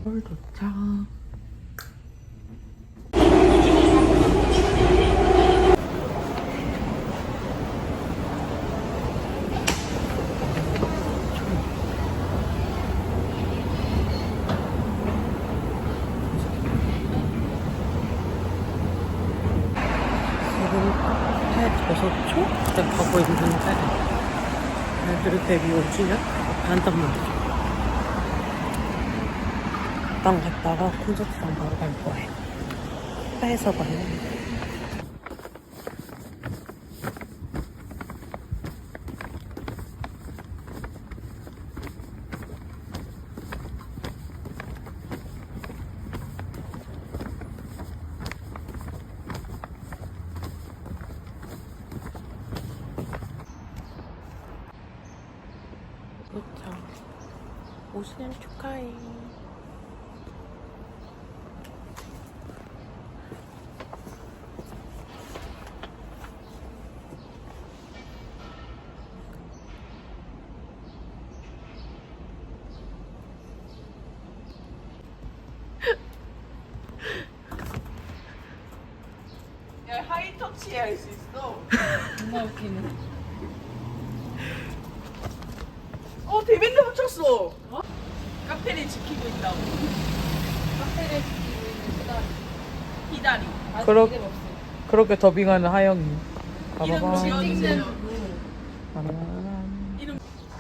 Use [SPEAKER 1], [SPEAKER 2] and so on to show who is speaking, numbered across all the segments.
[SPEAKER 1] 서울 도착. 저서초에 가고 있는데 애들 데뷔 5주년 한단 말이죠. 방 갔다가 콘서트장 바로 갈 거예요. 회에서 봐요. 도착. 5주년 축하해.
[SPEAKER 2] 야, 하이터치 할 수 있어.
[SPEAKER 3] 정말 웃기네.
[SPEAKER 2] 데빈드 붙였어. 어? 카페를 지키고 있다고.
[SPEAKER 3] 카페를 지키고 있는
[SPEAKER 2] 기다리.
[SPEAKER 3] 아직
[SPEAKER 1] 그렇-
[SPEAKER 3] 이름 없어.
[SPEAKER 1] 그렇게 더빙하는 하영이.
[SPEAKER 2] 이름
[SPEAKER 1] 봐봐봐.
[SPEAKER 2] 지어주세요.
[SPEAKER 1] 빠라란.
[SPEAKER 2] 이름.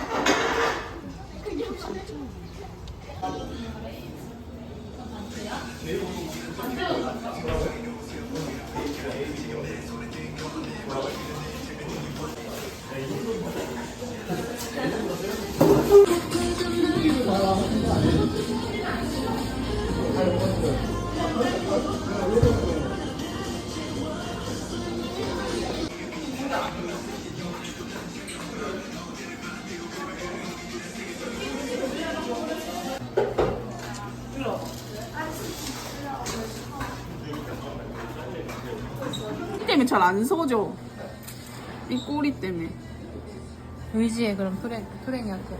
[SPEAKER 2] 이 때문에 잘 안 서져. 이 꼬리 때문에.
[SPEAKER 3] 의지해 그럼 토랭이한테.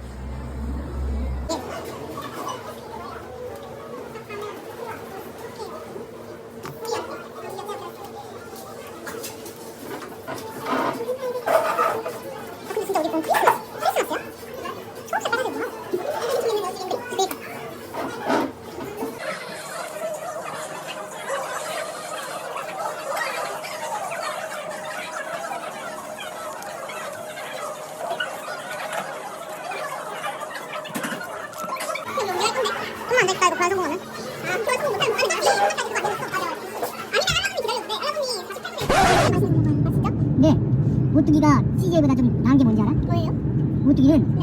[SPEAKER 4] 네, 오뚜기가 CJ보다 좀 나은 게 뭔지 알아? 뭐예요? 오뚜기는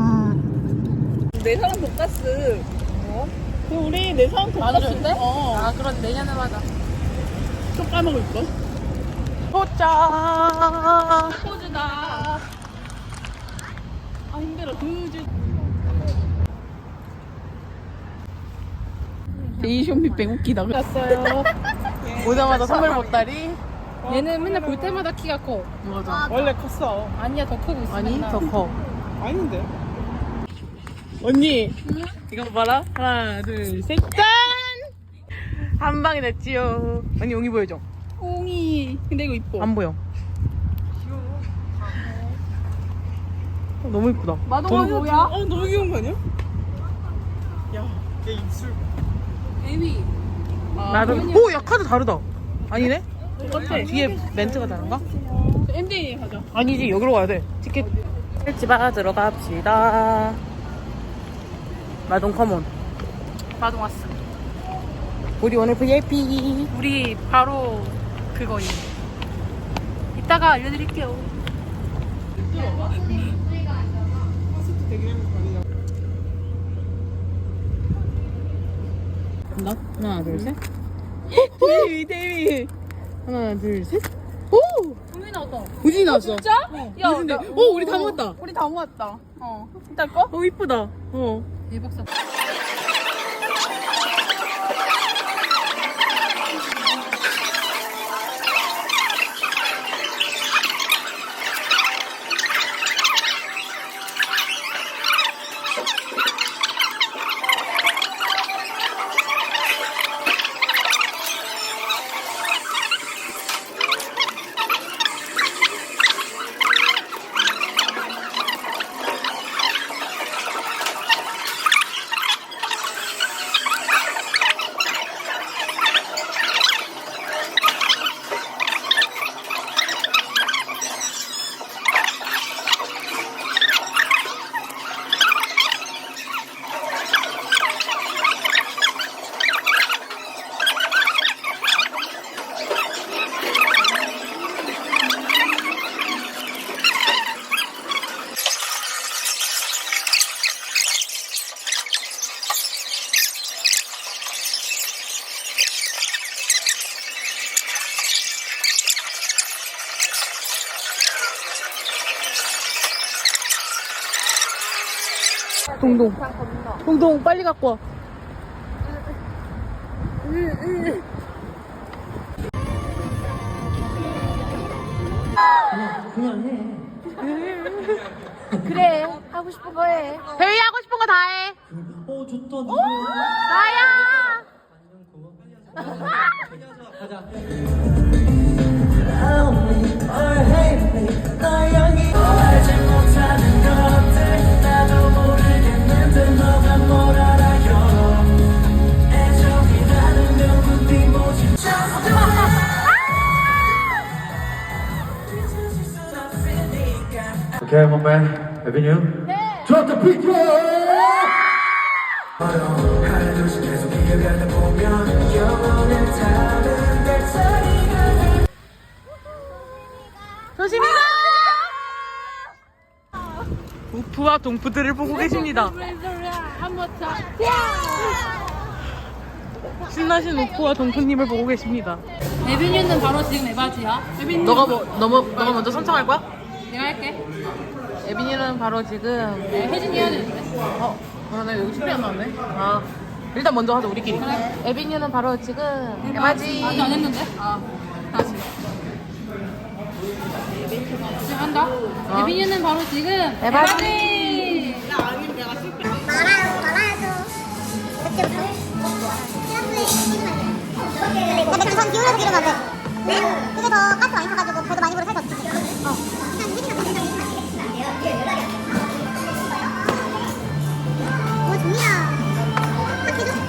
[SPEAKER 2] 내 사람 돈가스. 어? 우리 내 사람 돈가스.
[SPEAKER 3] 나눠줬대?
[SPEAKER 2] 어.
[SPEAKER 3] 그럼 내년에 하자.
[SPEAKER 2] 또 까먹을 거.
[SPEAKER 1] 도착.
[SPEAKER 2] 포즈다. 아 힘들어. 데이쇼미뱅 웃기다.
[SPEAKER 3] 갔어요.
[SPEAKER 1] 오자마자 선물 보따리.
[SPEAKER 3] 얘는 맨날 볼 때마다 키가 커.
[SPEAKER 1] 맞아.
[SPEAKER 2] 원래 컸어.
[SPEAKER 3] 아니야 더 크고 있어.
[SPEAKER 1] 아니
[SPEAKER 3] 맨날.
[SPEAKER 1] 더 커.
[SPEAKER 2] 아닌데. 언니.
[SPEAKER 1] 이거 봐라. 하나 둘 셋. 짠. 한 방에 됐지요. 언니 용이 보여줘.
[SPEAKER 2] 옹이. 근데 이거 이뻐.
[SPEAKER 1] 안 보여. 너무 이쁘다.
[SPEAKER 2] 마동아 뭐야? 너무 귀여운 거 아니야? 야, 얘 입술.
[SPEAKER 3] 에미.
[SPEAKER 1] 나도. 오, 야 카드 다르다. 아니네?
[SPEAKER 2] 똑같아.
[SPEAKER 1] 뒤에 멘트가 다른가?
[SPEAKER 2] MJ 가자.
[SPEAKER 1] 아니지, 여기로 가야 돼. 티켓. 집 들어갑시다. 마동 컴온.
[SPEAKER 3] 마동 왔어.
[SPEAKER 1] 우리 오늘 VIP.
[SPEAKER 3] 우리 바로 그거임. 이따가 알려드릴게요.
[SPEAKER 1] 간다. 하나 둘 셋.
[SPEAKER 2] 데이비.
[SPEAKER 1] 하나 둘 셋. 오!
[SPEAKER 3] 우리 나왔다.
[SPEAKER 1] 우진이 나왔어.
[SPEAKER 2] 진짜? 야,
[SPEAKER 1] 근데
[SPEAKER 2] 나-
[SPEAKER 1] 오, 우리 다 모았다.
[SPEAKER 2] 우리 다 모았다. 이따 거?
[SPEAKER 1] 어, 이쁘다. 어.
[SPEAKER 3] 대박 사.
[SPEAKER 1] 동동. 동동 빨리 갖고 와.
[SPEAKER 3] 그래, 하고 싶은 거 해.
[SPEAKER 1] 대위 하고 싶은 거 다 해.
[SPEAKER 5] 좋다.
[SPEAKER 1] 나야.
[SPEAKER 5] Okay, my man. Avenue? 네. Drop the beat,
[SPEAKER 1] 조심히 가! 우프와 동프들을 보고 계십니다.
[SPEAKER 3] 한번 더.
[SPEAKER 1] 신나신 우프와 동프님을 보고 계십니다.
[SPEAKER 3] 에비뉴는 바로 지금 에바지야. 에비뉴.
[SPEAKER 1] 너가 먼저 선창할 거야?
[SPEAKER 3] 내가 할게.
[SPEAKER 1] 에비뉴는 바로 지금
[SPEAKER 3] 혜진이 해야 되는데.
[SPEAKER 1] 그러네 여기 쉽게 안 나왔네. 아 일단 먼저 하자 우리끼리. 에비뉴는 바로 지금 에바지.
[SPEAKER 3] 아직 안 했는데? 다시. 지금 한다. 에비뉴는 바로 지금 에바지.
[SPEAKER 4] 근데 그선 기울여서 기르면 안 돼. 네? 그게 더 가스 많이 타가지고 배도 많이 불어 살더 지 그냥 유진이가 더 생각해. 오, 좋냐. 딱 해줘.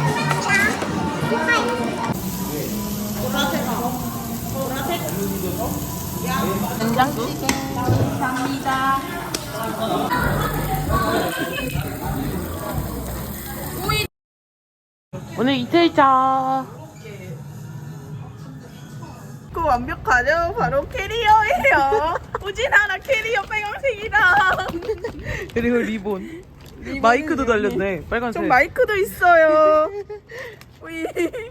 [SPEAKER 1] 된장찌개.
[SPEAKER 3] 감사합니다.
[SPEAKER 1] 오늘 이틀차.
[SPEAKER 2] 그 완벽하죠? 바로 캐리어예요. 우진아라 캐리어 빨간색이다.
[SPEAKER 1] 그리고 리본. 마이크도 달렸네. 빨간색.
[SPEAKER 2] 좀 마이크도 있어요. 우이.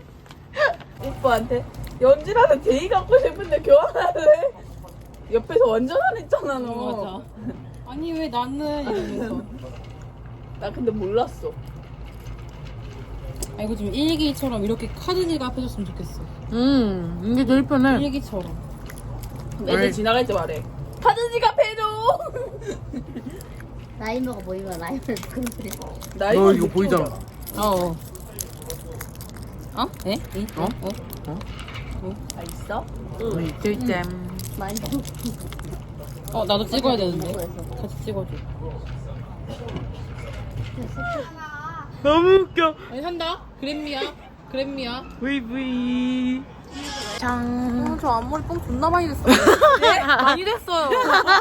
[SPEAKER 2] 오빠한테 연진아는 제이 갖고 싶은데 교환할래? 옆에서 완전 안 했잖아 너.
[SPEAKER 3] 맞아. 아니 왜 나는 이러면서.
[SPEAKER 2] 나 근데 몰랐어.
[SPEAKER 3] 아 이거 좀 일기처럼 이렇게 카드지가 앞에줬으면 좋겠어.
[SPEAKER 1] 이게 제일 편해.
[SPEAKER 3] 일기처럼.
[SPEAKER 2] 애들 지나갈 때 말해. 카드 지갑해줘.
[SPEAKER 4] 라이머가 보이면 라이머 그래.
[SPEAKER 1] 너 이거 보이잖아.
[SPEAKER 3] 어? 에?
[SPEAKER 2] 다 있어?
[SPEAKER 1] 오늘 이틀째.
[SPEAKER 3] 나도 찍어야 되는데. 같이 찍어줘.
[SPEAKER 1] 너무 웃겨.
[SPEAKER 3] 아니 한다. 그램미야.
[SPEAKER 1] 브이브이. 짱.
[SPEAKER 3] 저 앞머리 뽕 존나 많이 됐어. 네? 많이 됐어요.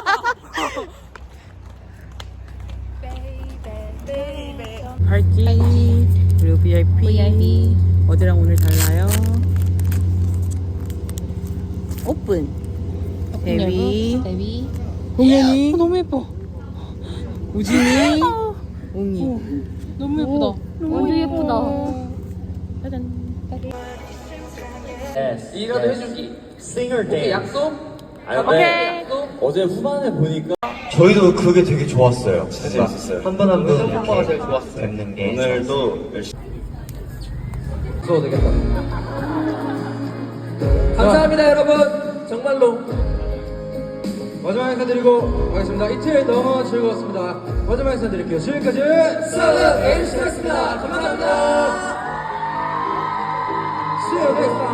[SPEAKER 1] 파이팅. 그리고 VIP. 어제랑 오늘 달라요. 오픈. 대위. 공연이.
[SPEAKER 3] 너무 예뻐.
[SPEAKER 1] 우진이. 웅이.
[SPEAKER 3] 너무 예쁘다.
[SPEAKER 4] 완전 예쁘다.
[SPEAKER 5] 이라도 해주기. Singer Day.
[SPEAKER 1] 약속.
[SPEAKER 5] 오케이. 어제 후반에 보니까 저희도 그게 되게 좋았어요. 재밌었어요. 한 번 한 번 이렇게 제일 좋았어요. 뵙는 게 오늘도 열심히.
[SPEAKER 6] 써도 되겠다. 감사합니다, 여러분. 정말로. 마지막 인사드리고 가겠습니다. 이틀 너무 즐거웠습니다. 마지막 인사드릴게요. 지금까지 썰은 에이스였습니다. 감사합니다. See you next time.